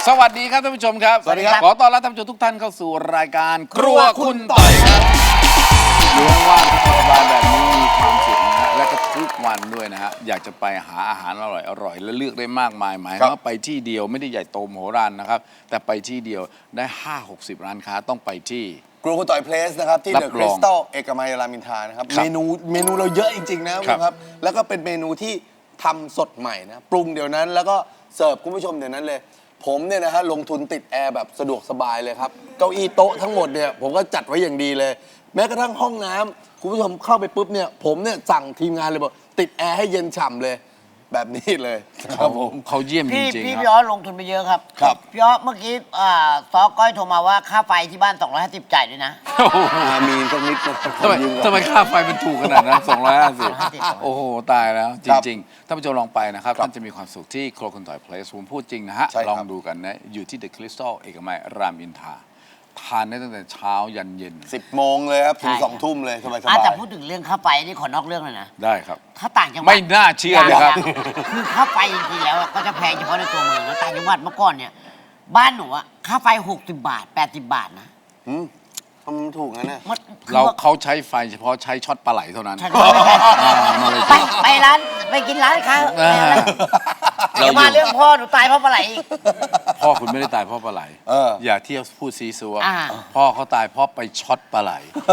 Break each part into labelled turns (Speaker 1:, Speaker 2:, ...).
Speaker 1: สวัสดีครับท่านผู้ชมครับ
Speaker 2: สวัสดีครับ
Speaker 1: ขอต้อนรับท่านผู้ชมทุกท่านเข้าสู่รายการครัวคุณต่อยครับอยู่ว่างๆสบายๆแบบนี้มีความสุขนะฮะและก็ทุกวันด้วยนะฮะอยากจะไปหาอาหารอร่อยๆและเลือกได้มากมายหมายว่าไปที่เดียวไม่ได้ใหญ่โตมโหฬารนะครับแต่ไปที่เดียวได้ 5-60 ร้านค้าต้องไปที่
Speaker 2: ครัวคุณต่อยเพลสนะครับที่
Speaker 1: รั
Speaker 2: เดอะ
Speaker 1: บ
Speaker 2: ค
Speaker 1: ร
Speaker 2: ริ
Speaker 1: อง
Speaker 2: สตัลเอกมัยรามอินทรานะครับ
Speaker 1: ครับ
Speaker 2: เมนูเราเยอะจริงๆนะคุณ
Speaker 1: ครั
Speaker 2: ผู้
Speaker 1: บ
Speaker 2: ชมครับแล้วก็เป็นเมนูที่ทำสดใหม่นะปรุงเดี๋ยวนั้นแล้วก็เสิร์ฟคุณผู้ชมเดี๋ยวนั้นเลย ผมเนี่ยนะฮะลงทุนติดแอร์แบบสะดวกสบายเลยครับเก้าอี้โต๊ะทั้งหมดเนี่ยผมก็จัดไว้อย่างดีเลย แม้กระทั่งห้องน้ำคุณผู้ชมเข้าไปปุ๊บเนี่ยผมเนี่ยสั่งทีมงานเลยบอกติดแอร์ให้เย็นฉ่ำเลยแบบนี้เลยครับผม
Speaker 1: เขาเยี่ยมจ
Speaker 3: พี่
Speaker 1: ริง
Speaker 3: พี่
Speaker 1: ๆค
Speaker 3: พี่
Speaker 1: รับ
Speaker 3: อ้อลงทุนไปเยอะครับ
Speaker 2: ครับ
Speaker 3: พี่อ้อเมื่อกี้ซอก้อยโทรมาว่าค่าไฟที่บ้าน250จ่ายด้วยนะ
Speaker 2: มีสักนิดนะ
Speaker 1: ทำไม
Speaker 2: ยืก่อน
Speaker 1: ทำไมค่าไฟมันถูกขนาดนั้น250โอ้โหตายแล้วจ
Speaker 2: ครับ
Speaker 1: ริงๆท่านผู้ชมลองไปนะครับ
Speaker 2: ครับ
Speaker 1: ท่านจะมีความสุขที่ครัวคุณต่อยเพลสผมพูดจริงนะฮะ
Speaker 2: ใช่ครับ
Speaker 1: ลองดูกันนะอยู่ที่เดอะคริสตัลเอกมัยรามอินทราทานได้ตั้งแต่เช้ายันเย็น
Speaker 2: 10 โมงเลยครับถึง
Speaker 3: ใช่ครับ
Speaker 2: 2 ทุ่มเลยสบาย
Speaker 3: แต่
Speaker 2: ๆ
Speaker 3: พูดถึงเรื่องค่าไฟนี่ขอนอกเรื่องเลยนะ
Speaker 1: ได้ครับ
Speaker 3: ถ้าต่างจังหวัด
Speaker 1: ไม่น่าเชื่อเลยครับ
Speaker 3: คือค่าไฟจริงๆแล้วก็จะแพงเฉพาะในตัวเมืองแล้วต่างจังหวัดเมื่อก่อนเนี่ยบ้านหนูอะค่าไฟ60 บาท 80 บาทนะ
Speaker 2: ทำไมถูกงั้นน่ะ
Speaker 3: มันคือ
Speaker 1: เรา
Speaker 3: ว่า
Speaker 1: เขาใช้ไฟเฉพาะใช้ช็อตปลาไหลเท่านั้น
Speaker 3: ใช่ครับไม่ใช่
Speaker 1: มาเลย
Speaker 3: ไปร้านไปกินร้านค้า
Speaker 1: อ่า
Speaker 3: เดี๋ยวมาเรื่องพ่อหนูตายเพราะปลาไหลอีก
Speaker 1: พ่อคุณไม่ได้ตายเพราะปลาไหล
Speaker 2: เออ
Speaker 1: อย่าเที่ยวพูดซีซัว
Speaker 3: อ่า
Speaker 1: พ่อเขาตายเพราะไปช็อตปลาไหล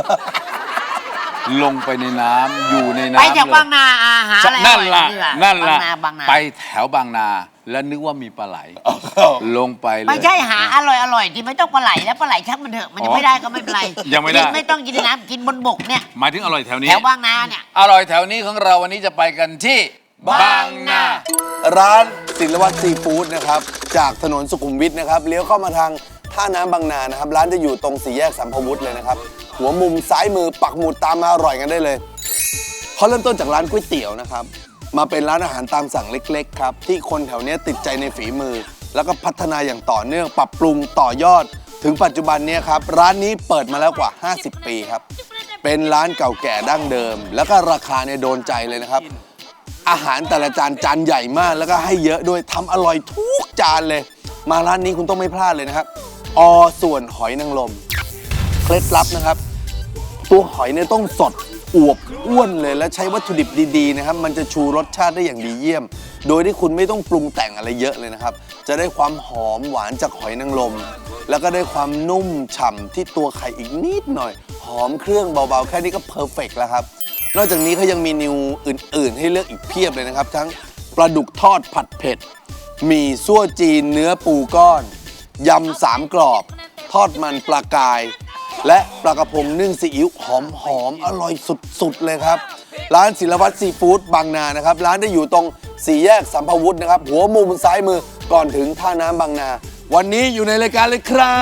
Speaker 1: ลงไปในน้ำอยู่ในน้ำ
Speaker 3: ไปจาก
Speaker 1: เลย
Speaker 3: บางนาหาอะไร
Speaker 1: นั่นล่ะ
Speaker 3: อร่อยดีกว่า
Speaker 1: นั่นล่ะ
Speaker 3: บางนา
Speaker 1: ไปแถวบางนา แล้วนึกว่ามีปลาไหล ลงไปเลย
Speaker 3: ไม่ใช่หาอร่อยที่ไม่ต้องปลาไหลแล้วปลาไหลชักมันเถอะมันยังไม่ได้ก็ไม่เป็นไร
Speaker 1: ยังไม่ได้
Speaker 3: กินไม่ต้องกินในน้ำกินบนบกเนี่ย
Speaker 1: หมายถึงอร่อยแถวนี้
Speaker 3: แถวบางนาเนี่ย
Speaker 1: อร่อยแถวนี้ของเราวันนี้จะไปกันที่บางนา
Speaker 2: ร้านศิลวัตรซีฟู้ดนะครับจากถนนสุขุมวิทนะครับเลี้ยวเข้ามาทางท่าน้ำบางนานะครับร้านจะอยู่ตรงสี่แยกสัมภวุฒิเลยนะครับหัวมุมซ้ายมือปักหมุดตามมาอร่อยกันได้เลยเขาเริ่มต้นจากร้านก๋วยเตี๋ยวนะครับมาเป็นร้านอาหารตามสั่งเล็กๆครับที่คนแถวเนี้ยติดใจในฝีมือ แล้วก็พัฒนาอย่างต่อเนื่องปรับปรุงต่อยอด ถึงปัจจุบันเนี้ครับร้านนี้เปิดมาแล้วกว่า 50 ปีครับเป็นร้านเก่าแก่ดั้งเดิม แล้วก็ราคาเนี่ยโดนใจเลยนะครับ อาหารแต่ละจานใหญ่มากแล้วก็ให้เยอะด้วยทำอร่อยทุกจานเลย มาร้านนี้คุณต้องไม่พลาดเลยนะครับอส่วนหอยนางรมเคล็ดลับนะครับ ตัวหอยเนี่ยต้องสดอวบอ้วนเลยและใช้วัตถุดิบดีๆนะครับมันจะชูรสชาติได้อย่างดีเยี่ยม โดยที่คุณไม่ต้องปรุงแต่งอะไรเยอะเลยนะครับ จะได้ความหอมหวานจากหอยนางรมแล้วก็ได้ความนุ่มฉ่ำที่ตัวไข่อีกนิดหน่อย หอมเครื่องเบาๆแค่นี้ก็เพอร์เฟกต์แล้วครับ นอกจากนี้เขายังมีเมนูอื่นๆ ให้เลือกอีกเพียบเลยนะครับ ทั้งปลาดุกทอดผัดเผ็ดหมี่ซั่วจีนเนื้อปูก้อนยำสามกรอบ ทอดมันปลากาย และปลากระพงนึ่งซีอิ๊วหอมๆอร่อยสุดๆเลยครับ ร้านศิลวัตรซีฟู้ดบางนานะครับ ร้านได้อยู่ตรงสี่แยกสัมภวุฒินะครับ หัวมุมซ้ายมือก่อนถึงท่าน้ำบางนา วันนี้อยู่ในรายการเลยครับ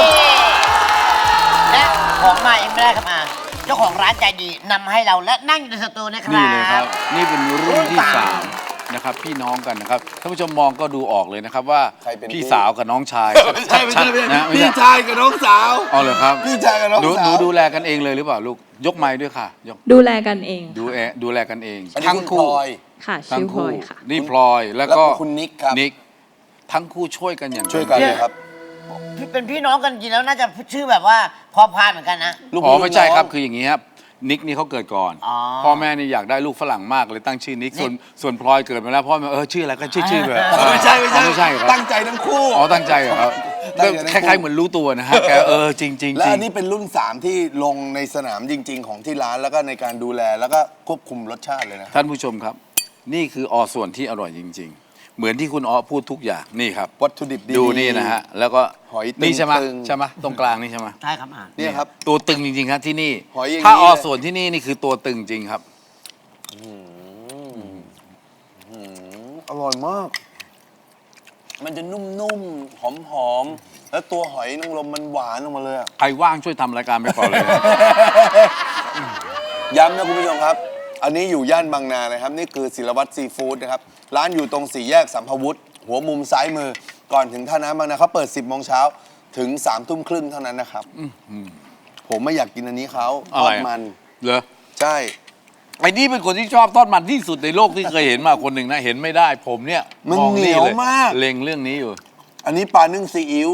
Speaker 3: และของมาเองไม่ได้ครับเจ้าของร้านใจดีนำให้เราและนั่งอยู่ในสตูนะครับ
Speaker 1: นี่เลยครับ นี่เป็นรุ่นที่
Speaker 3: รุ่นสาม
Speaker 1: 3นะครับพี่น้องกันนะครับท่านผู้ชมมองก็ดูออกเลยนะครับว่า
Speaker 2: ใครเป็นพี่
Speaker 1: พี่สาวกับน้องชาย
Speaker 2: ไม่ใช่
Speaker 1: ชัดๆนะไม่
Speaker 2: พี่
Speaker 1: ใช่
Speaker 2: ชายกับน้องสาว
Speaker 1: อ๋อเหรอครับ
Speaker 2: พี่ชายกับน้อง
Speaker 1: หนู
Speaker 2: สาว
Speaker 1: ดูแลกันเองเลยหรือเปล่าลูกยกไม้ด้วยค่ะยก
Speaker 4: ดูแลกันเอง
Speaker 1: ดูแลกันเอง
Speaker 2: อันนี้
Speaker 1: ทั้ง
Speaker 2: คุณพ
Speaker 1: คู่
Speaker 2: ลอย
Speaker 4: ค่ะ
Speaker 1: ทั้
Speaker 4: ชื่
Speaker 1: ง
Speaker 4: อพล
Speaker 1: คู่
Speaker 4: อยค่ะ
Speaker 1: นี่พลอยแล้วก็
Speaker 2: แล้วก็คุณนิกครับ
Speaker 1: นิกทั้งคู่ช่วยกันอย่าง
Speaker 2: ช่วยกันเลยครับ
Speaker 3: เป็นพี่น้องกันจริงแล้วน่าจะชื่อแบบว่าพอพานเหมือนกันนะ
Speaker 2: ลูก
Speaker 1: อ๋อ
Speaker 2: พี่
Speaker 1: ไม่ใช่
Speaker 2: ลูกน้อง
Speaker 1: ครับคืออย่างนี้ครับนิกนี่เขาเกิดก่อน
Speaker 3: อ๋อ
Speaker 1: พ่อแม่นี่อยากได้ลูกฝรั่งมากเลยตั้งชื่อนิกส่วนพลอยเกิดมาแล้วพ่อแม่ชื่ออะไรก็ชื่อไป
Speaker 2: ไม่ใช่
Speaker 1: ไม่ใช่ครับ
Speaker 2: ตั้งใจทั้งคู่
Speaker 1: อ๋อตั้งใจเหรอครับ
Speaker 2: ตั้งใจทั้งคู่
Speaker 1: คล้ายๆเหมือนรู้ตัวนะฮะแกจริงๆ
Speaker 2: และอันนี้เป็นรุ่น 3 ที่ลงในสนามจริง ๆ ของที่ร้านแล้วก็ในการดูแลแล้วก็ควบคุมรสชาติเลยนะ
Speaker 1: ท่านผู้ชมครับ นี่คือส่วนที่อร่อยจริง ๆ เหมือนที่คุณพูดทุกอย่างนี่ครับ
Speaker 2: วัตถุดิบดีๆ
Speaker 1: ดูนี่นะฮะแล้วก็
Speaker 2: หอยตึง
Speaker 1: นี่ใช่ไหม
Speaker 2: ตึง
Speaker 1: ใช่ไหมตรงกลางนี่ใช่ไหม
Speaker 3: ใช่ครับ
Speaker 2: เนี่ยครับ
Speaker 1: ตัวตึงจริงๆครับที่นี่
Speaker 2: หอยอย่างนี้
Speaker 1: ถ้า
Speaker 2: เลย
Speaker 1: ส่วนที่นี่นี่คือตัวตึงจริงครับ
Speaker 2: อร่อยมาก มันจะนุ่มๆ หอมๆ แล้วตัวหอยนางรมมันหวานออกมาเลยอะ
Speaker 1: ใครว่างช่วยทำรายการไปก่อนเลยนะ
Speaker 2: ย้ำนะคุณผู้ชมครับ อันนี้อยู่ย่านบางนานะครับ นี่คือศิลวัตรซีฟู้ดนะครับ ร้านอยู่ตรงสี่แยกสัมภวุฒิหัวมุมซ้ายมือ ก่อนถึงท่าน้ำบางนาเขาเปิด 10 โมงเช้าถึง 3 ทุ่มครึ่งเท่านั้นนะครับ ผมไม่อยากกินอันนี้เขาท
Speaker 1: อะ
Speaker 2: อ
Speaker 1: ไร
Speaker 2: ด
Speaker 1: อะ
Speaker 2: มัน
Speaker 1: เหรอ
Speaker 2: ใช่
Speaker 1: ไอ้นี่เป็นคนที่ชอบทอดมันที่สุดในโลกที่เคยเห็นมาคนหนึ่งนะเห็นไม่ได้ผมเนี่ย
Speaker 2: มัน
Speaker 1: มอง
Speaker 2: เหนียว
Speaker 1: เลย
Speaker 2: มาก
Speaker 1: เล็งเรื่องนี้อยู่
Speaker 2: อันนี้ปลานึ่งซีอิ๊ว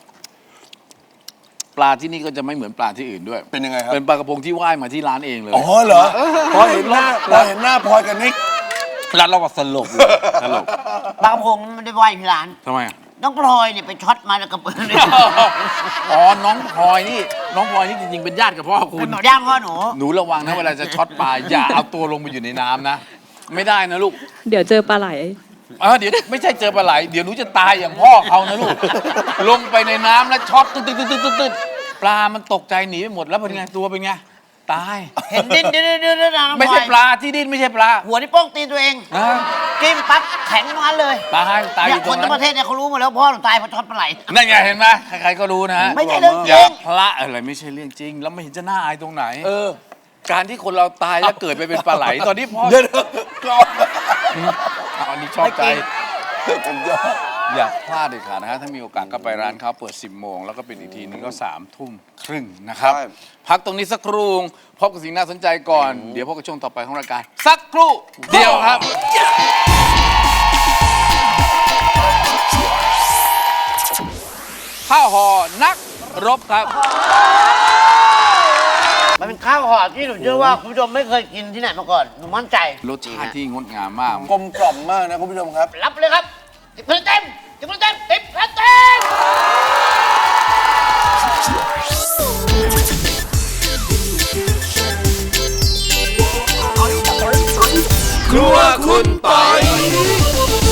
Speaker 1: ปลาที่นี่ก็จะไม่เหมือนปลาที่อื่นด้วย
Speaker 2: เป็นยังไงครับ
Speaker 1: เป็นปลากระพงที่ว่ายมาที่ร้านเองเลย
Speaker 2: อ๋อเหรอพอเห็นหน้าพลอยกับนิก
Speaker 1: ร้านเราก็สลบเลยสลบ
Speaker 3: ปลากระพงมันไม่ได้ว่ายที่ร้าน
Speaker 1: ทำไมอ่ะ
Speaker 3: น้องพลอยเนี่ยไปช็อตมาแล้วกับปืนเลย
Speaker 1: อ๋อ น้องพลอยนี่จริงๆ เป็นญาติกับพ่อคุ
Speaker 3: เป็
Speaker 1: ณ
Speaker 3: นหนูย่างพ่อหนู
Speaker 1: หนูระวังนะเวลาจะช็อตปลา อย่าเอาตัวลงไปอยู่ในน้ำนะ ไม่ได้นะลูก
Speaker 4: เดี๋ยวเจอปลาไหล
Speaker 1: เดี๋ยวไม่ใช่เจอปลาไหล เดี๋ยวหนูจะตายอย่างพ่อเขานะลูก ลงไปในน้ำแล้วช็อตตึ๊ดปลามันตกใจหนีไปหมดแล้วเป็นไงตัวเป็นไง ตาย
Speaker 3: เห็นดิ้นนะน้องพลอย
Speaker 1: ไม่ใช่ปลาที่ดิ้นไม่ใช่ปลา
Speaker 3: หัวที่โป้งตีนตัวเอง
Speaker 1: อ่า
Speaker 3: จิ้มปั๊บแข็งมันเลย
Speaker 1: ตายอ
Speaker 3: เนี่ย
Speaker 1: ยู่
Speaker 3: ค
Speaker 1: ตร
Speaker 3: น
Speaker 1: ง
Speaker 3: ทั้งป
Speaker 1: นั้
Speaker 3: ระ
Speaker 1: น
Speaker 3: เทศเนี่ยเขารู้หมดแล้วพ่อหนูตายเพราะช็อตปลาไหล
Speaker 1: นั่นไงเห็นไหมใครๆก็รู้นะฮะ
Speaker 3: ไม่ใช่เรื่องจ
Speaker 1: อย่า
Speaker 3: ริง
Speaker 1: พละอะไรไม่ใช่เรื่องจริง แล้วไม่เห็นจะน่าอายตรงไหน การที่คนเราตายแล้วเกิดไปเป็นปลาไหล ตอนนี้พ่อ
Speaker 2: เดี๋ยวก่อน
Speaker 1: อันนี้ชอบใจ
Speaker 2: ผมจะ
Speaker 1: อย่าพลาดเลยค่ะนะฮะถ้ามีโอกาสก็ไปร้านเขาเปิด 10 โมง แล้วก็เป็นอีกทีนึงก็3 ทุ่มครึ่งนะครับ พักตรงนี้สักครู่พบกับสิ่งน่าสนใจก่อน เดี๋ยวพบกับช่วงต่อไปของรายการ สักครู่เดียวครับ ข้าวห่อนักรบครับ
Speaker 3: มันเป็นข้าวห่อที่หนูเชื่อว่าคุณผู้ชมไม่เคยกินที่ไหนมาก่อนหนูมั่นใจ
Speaker 1: รสชาติที่งดงามมาก
Speaker 2: กลมกล่อมมากนะคุณผู้ชมครับ
Speaker 3: รับเลยครับ10 คะแนนเต็ม10 คะแนนเต็ม